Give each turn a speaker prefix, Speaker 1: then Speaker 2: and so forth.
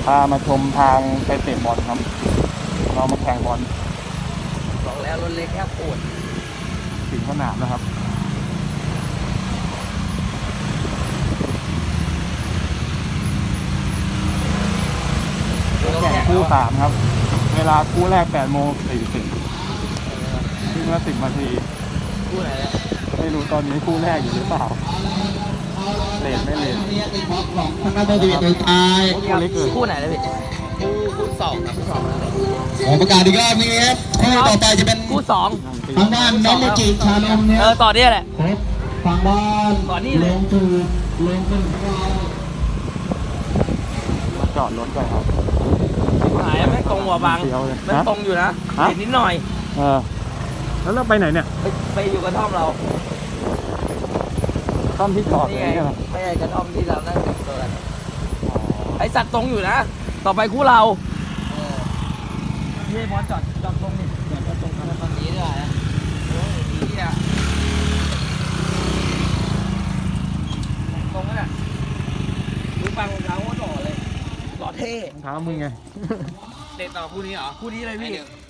Speaker 1: พามาชมทางไปเตะบอลครับเรามาแข่งบอล
Speaker 2: บอกแล้วรถเล็กแค่ปวด
Speaker 1: ถึงสนามนะครับแข่งคู่3ครับเวลาคู่แรก8:40วิ่งละ10 นาที
Speaker 2: คู่ไหนเนี่ย
Speaker 1: ไม่รู้ตอนนี้คู่แรกอยู่หรือเปล่าเลทไม่เลท
Speaker 3: ทางด้านบริเวณโดยตาย
Speaker 1: คู่เล็กเลย
Speaker 2: คู่ไหนเลยพี่คู่สองครับคู่สอง
Speaker 3: ขอประกาศอีกรอบนี้ครับคู่ต่อไปจะเป็น
Speaker 2: คู่สอง
Speaker 3: ทางด้านน้องโมจิชานมเนี่ย
Speaker 2: ต่อเนี่ยแหละ
Speaker 3: ครบฝั่งบ้าน
Speaker 2: ต่อนี่เลย
Speaker 3: ลงสู่ลงเป็นของเรา
Speaker 1: จอดรถก่อนครับ
Speaker 2: หายไม่ตรงหัวบาง
Speaker 1: เสียวเลย
Speaker 2: มันตรงอยู่นะ
Speaker 1: ฮะ
Speaker 2: เห็นนิดหน่อย
Speaker 1: แล้วเราไปไหนเนี่ย
Speaker 2: ไปอยู่กระท่อมเรา
Speaker 1: ต้อมที่จอด
Speaker 2: นี่
Speaker 1: เลย
Speaker 2: ไง
Speaker 1: เนี่ยเหรอ
Speaker 2: ไม่ใช่กระท่อมที่เรานั่งแต่งตัวกันไอสัตว์ตรงอยู่นะ ต่อไปคู่เราพี่พอจอดตรงนี่จอดตรงกันตอนนี้ด้วยนะโอ้ยดีอ่ะตรงนั้นอ่ะดูฟังรองเท้าก็หล่อเลยหล่อเท่
Speaker 1: รองเท้ามึงไง
Speaker 2: เตะต่อคู่นี้เหรอ คู่นี้เลยพี่